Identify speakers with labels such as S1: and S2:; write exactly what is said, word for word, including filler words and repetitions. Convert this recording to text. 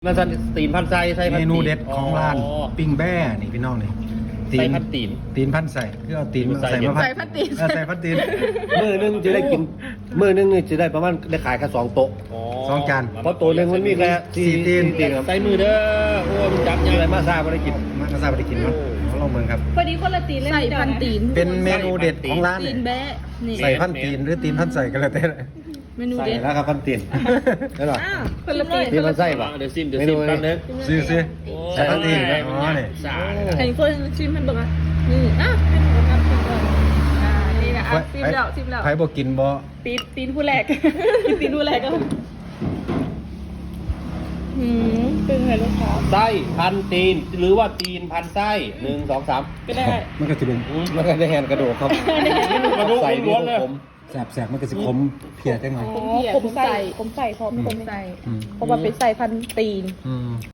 S1: มันสันตีนพันไส้ไส้พัน
S2: เม
S1: ตีน
S2: นูเด็ดของร้านปิ้งแบ้นี่พี่น้องนี่
S1: ไส้พันตีน
S2: ตีนพันใส่คือเอาตีน
S1: ใส่
S2: ใส่มา
S3: ใส่พันตีน
S2: เออใส่พันตีน
S4: มือนึงจะได้กินมือนึงนี่จะได้ประมาณได้ขายแค่สองโต๊ะ
S2: สองจาน
S4: เพราะตัวหนึงมันมีแค่
S2: สี่ตีน
S4: ตีนครับ
S1: ใส่มือเด้อโอ้มันจับ
S4: อะ
S1: ยัง
S4: ไรมาซาไม่ได้กิน
S2: มากระซาบไปกินเนาะเอาลองเบิ่งครับ
S3: พอดีคนละตีนเลยใส่พันตีน
S2: เป็นเมนูเด็ดของร้าน
S3: ตี
S2: เนี่ย
S3: นแบะนี่
S2: ใส่พันตีนหรือตีนพันใส่ก็แล้วแต่
S3: เมนู
S4: ใส่
S3: เด็ด
S4: แล้วครับพันตีนได้หรอ
S3: อ้าวคนละตีน
S4: ตีนมันไส้ปะ
S1: เดี๋ยวซิมเดี๋ยวซิมแป๊บนึง
S2: ซื้อซื้อใส่พันตีนอ๋อนี่
S1: สา
S3: ใครคนชิมมันบอกว่านี่อ่ะเป็นคนทำชิมก่อนอ่านี่นะอ่ะชิมแล้วชิมแล้ว
S2: ไผบ่กินบ่
S3: ตีนตีนผู้แรก กินตีนผู้แรกก็หืมตึงเลยลูกค้า
S1: ไส้พันตีนหรือว่าตีนพันไส้หนึ่งสองสาม
S3: ก็ได้
S2: มันก็สิเป็น
S4: มันก็ได้แฮนกระดูกครับ
S1: กระดูก
S4: ใส่
S1: ล้วนๆเลย
S4: ผม
S2: แสบๆมันก็สิขมเพียจังหน่อย
S3: ผมใส่ผมใส่ผมใส่พร้อมผมใส่
S2: อืม
S3: เพราะว่าเป็นใส่พันตีน
S2: อืม